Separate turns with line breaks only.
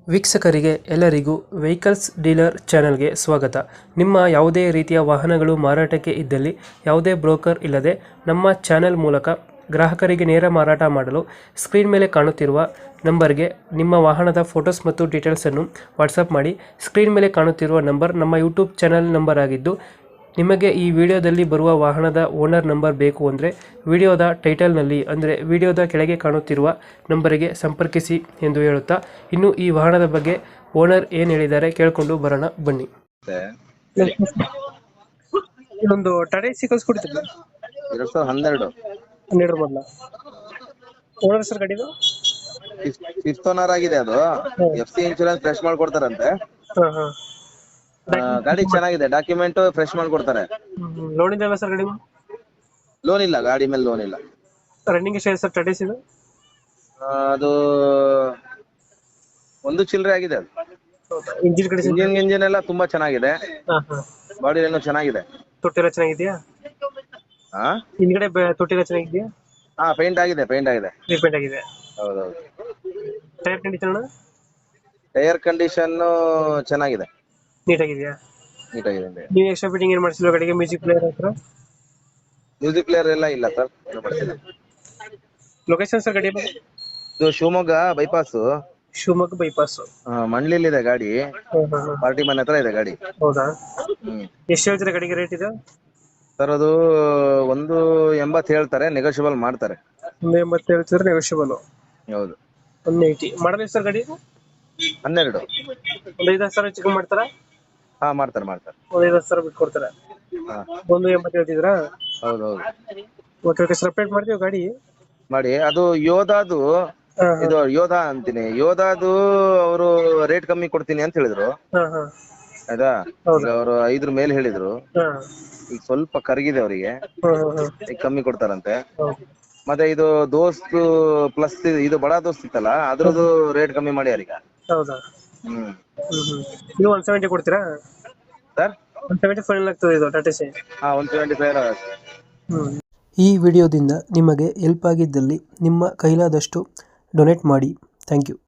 ವೀಕ್ಷಕರಿಗೆ ಎಲ್ಲರಿಗೂ vehicles dealer ಚಾನೆಲ್ಗೆ ಸ್ವಾಗತ. ನಿಮ್ಮ ಯಾವುದೇ ರೀತಿಯ ವಾಹನಗಳು ಮಾರಾಟಕ್ಕೆ ಇದ್ದಲ್ಲಿ ಯಾವುದೇ ಬ್ರೋಕರ್ ಇಲ್ಲದೆ ನಮ್ಮ ಚಾನೆಲ್ ಮೂಲಕ ಗ್ರಾಹಕರಿಗೆ ನೇರ ಮಾರಾಟ ಮಾಡಲು ಸ್ಕ್ರೀನ್ ಮೇಲೆ ಕಾಣುತ್ತಿರುವ ನಂಬರ್ಗೆ ನಿಮ್ಮ ವಾಹನದ ಫೋಟೋಸ್ ಮತ್ತು ಡೀಟೇಲ್ಸನ್ನು ವಾಟ್ಸಪ್ ಮಾಡಿ. ಸ್ಕ್ರೀನ್ ಮೇಲೆ ಕಾಣುತ್ತಿರುವ ನಂಬರ್ ನಮ್ಮ ಯೂಟ್ಯೂಬ್ ಚಾನೆಲ್ ನಂಬರ್ ಆಗಿದ್ದು, ನಿಮಗೆ ಈ ವಿಡಿಯೋದಲ್ಲಿ ಬರುವ ವಾಹನದ ಓನರ್ ನಂಬರ್ ಬೇಕು ಅಂದರೆ ವಿಡಿಯೋದ ಟೈಟಲ್ನಲ್ಲಿ ಅಂದರೆ ವಿಡಿಯೋದ ಕೆಳಗೆ ಕಾಣುತ್ತಿರುವ ನಂಬರಿಗೆ ಸಂಪರ್ಕಿಸಿ ಎಂದು ಹೇಳುತ್ತಾ, ಇನ್ನು ಈ ವಾಹನದ ಬಗ್ಗೆ ಓನರ್ ಏನು ಹೇಳಿದ್ದಾರೆ ಕೇಳಿಕೊಂಡು ಬರೋಣ ಬನ್ನಿ. ಇದೊಂದು ಟಾಟಾ ಎಸಿ ಕಳಿಸ್ಕೊಡ್ತಿದ್ದೆ
2012
ಹನ್ನೆರಡು ಮಾಡಲ ಓನರ್ ಸರ್ ಗಾಡಿದು
ಫಿಫ್ತ್ ಓನರ್ ಆಗಿದೆ. ಅದು FC ಇನ್ಶೂರೆನ್ಸ್ ಫ್ರೆಶ್ ಮಾಡ್ಕೊಡ್ತಾರಂತೆ.
ಹಾಂ ಹಾಂ
ಗಾಡಿ ಚೆನ್ನಾಗಿದೆ, ಡಾಕ್ಯುಮೆಂಟ್ ಫ್ರೆಶ್ ಮಾಡ್ಕೊಡ್ತಾರೆ.
ಲೋನ್ ಇದೆಯಲ್ಲ ಸರ್ ಗಾಡಿ?
ಲೋನ್ ಇಲ್ಲ, ಗಾಡಿ ಮೇಲೆ ಲೋನ್ ಇಲ್ಲ.
ರನ್ನಿಂಗ್ ಎಷ್ಟಿದೆ ಸರ್ ಟಾಟಾ ಎಸಿದು?
ಅದು ಒಂದು ಚಿಲ್ಲರೆ ಆಗಿದೆ. ಅದು
ಇಂಜಿನ್ ಕಡೆ
ಇಂಜಿನ್ ಎಲ್ಲ ತುಂಬಾ ಚೆನ್ನಾಗಿದೆ,
ಹಾಂ ಹಾಂ
ಬಾಡಿ ಏನೋ ಚೆನ್ನಾಗಿದೆ.
ತೊಟ್ಟಿಲ್ಲ ಚೆನ್ನಾಗಿದೆಯಾ?
ಹಾ
ಹಿಂದ್ಗಡೆ ತೊಟ್ಟಿಲ್ಲ ಚೆನ್ನಾಗಿದೆಯಾ?
ಹಾ ಪೇಂಟ್ ಆಗಿದೆ.
ರೀಪೇಂಟ್ ಆಗಿದೆ.
ಹೌದೌದು.
Tyre condition?
ಟೈರ್ ಕಂಡೀಷನ್ ಚೆನ್ನಾಗಿದೆ,
ನೀಟಾಗಿದೆಯಾ?
ನೀಟಾಗಿದೆ.
ನೀವು ಎಕ್ಸ್ಟ್ರಾ ಫಿಟ್ಟಿಂಗ್ ಏನು ಮಾಡಿಸಿಲ್ಲ ಗಾಡಿಗೆ? ಮ್ಯೂಸಿಕ್ ಪ್ಲೇಯರ್ ಹತ್ರ
ಮ್ಯೂಸಿಕ್ ಪ್ಲೇಯರ್ ಎಲ್ಲ ಇಲ್ಲ ಸರ್.
ಲೊಕೇಶನ್ ಸರ್ ಗಾಡಿ?
ಇದು ಶಿವಮೊಗ್ಗ ಬೈಪಾಸ್,
ಶಿವಮೊಗ್ಗ ಬೈಪಾಸ್.
ಮಂಡ್ಲಿಲಿದೆ ಗಾಡಿ. ಪಾರ್ಟಿ ಮನೆ ಹತ್ರ ಇದೆ ಗಾಡಿ.
ಹೌದಾ? ಎಷ್ಟು ಹೇಳ್ತೀರಾ ಗಾಡಿಗೆ ರೇಟ್ ಇದೆ?
ಸರ್ ಅದು 180 ಹೇಳ್ತಾರೆ, ನೆಗೋಷಿಯಬಲ್ ಮಾಡ್ತಾರೆ.
180 ಹೇಳ್ತಿದ್ರೆ ನೆಗೋಷಿಯಬಲ್.
ಹೌದು.
180 ಮಾಡಲ್ ಸರ್ ಗಾಡಿ?
12.
ಒಂದು 5,000 ಚಿಕನ್ ಮಾಡ್ತಾರಾ?
ಹಾ ಮಾಡ್ತಾರೆ.
ಒಂದು 5,000 ಬಿಟ್ಟು ಕೊಡ್ತಾರೆ.
ಹಾ
180 ಹೇಳ್ತಿದ್ರಾ?
ಹೌದು.
ಓಕೆ ಸಪ್ರೇಟ್ ಮಾಡ್ತೀವಿ ಗಾಡಿ.
ಮಾಡಿ ಅದು ಯೋಧಾದು,
ಹಾಂ
ಇದು ಯೋಧ ಅಂತೀನಿ, ಯೋಧಾದು ಅವರು ರೇಟ್ ಕಮ್ಮಿ ಕೊಡ್ತೀನಿ ಅಂತ ಹೇಳಿದ್ರು.
ಹಾಂ ಹಾಂ
ಆಯ್ತಾ? ಈಗ ಅವರು 5 ಮೇಲೆ ಹೇಳಿದ್ರು,
ಹಾಂ
ಈಗ ಸ್ವಲ್ಪ ಕರಗಿದೆ ಅವರಿಗೆ,
ಹಾಂ
ಈಗ ಕಮ್ಮಿ ಕೊಡ್ತಾರಂತೆ.
ಹೌದು.
ಮತ್ತೆ ಇದು ದೋಸ್ತ್ ಪ್ಲಸ್ ಇದು ಬಡ ದೋಸ್ತ್ ಇತ್ತಲ್ಲ, ಅದ್ರದ್ದು ರೇಟ್ ಕಮ್ಮಿ ಮಾಡ್ಯಾರ ಈಗ.
ಹೌದಾ? ನೀವು 170 ಕೊಡ್ತೀರಾ
ಸರ್?
170 ಫೈನಲ್ ಆಗ್ತದೆ ಇದು ಟಾಟಾ ಎಸಿ?
ಹಾ 175.
ಈ ವಿಡಿಯೋದಿಂದ ನಿಮಗೆ ಹೆಲ್ಪ್ ಆಗಿದ್ದಲ್ಲಿ ನಿಮ್ಮ ಕೈಲಾದಷ್ಟು ಡೊನೇಟ್ ಮಾಡಿ. Thank you.